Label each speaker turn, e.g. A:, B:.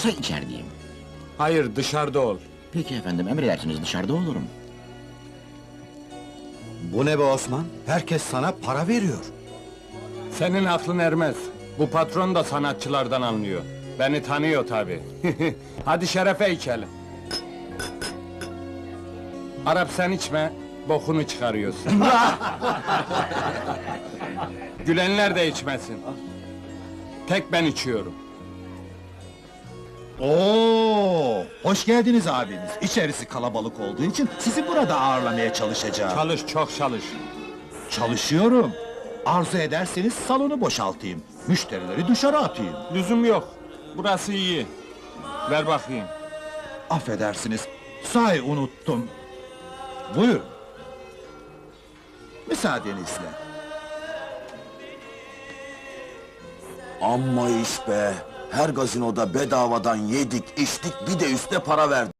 A: olursa içerideyim.
B: Hayır, dışarıda ol.
A: Peki efendim, emredersiniz, dışarıda olurum.
C: Bu ne be Osman? Herkes sana para veriyor.
B: Senin aklın ermez. Bu patron da sanatçılardan anlıyor. Beni tanıyor tabi. Hadi şerefe içelim. Arap sen içme, bokunu çıkarıyorsun. Gülenler de içmesin. Tek ben içiyorum.
C: Oo, hoş geldiniz abiniz. İçerisi kalabalık olduğu için sizi burada ağırlamaya çalışacağım.
B: Çalış, çok çalış.
C: Çalışıyorum. Arzu ederseniz salonu boşaltayım. Müşterileri dışarı atayım.
B: Lüzum yok. Burası iyi. Ver bakayım.
C: Affedersiniz, sahi unuttum. Buyurun. Müsaadenizle.
D: Amma iş be! Her gazinoda bedavadan yedik, içtik, bir de üstüne para verdik.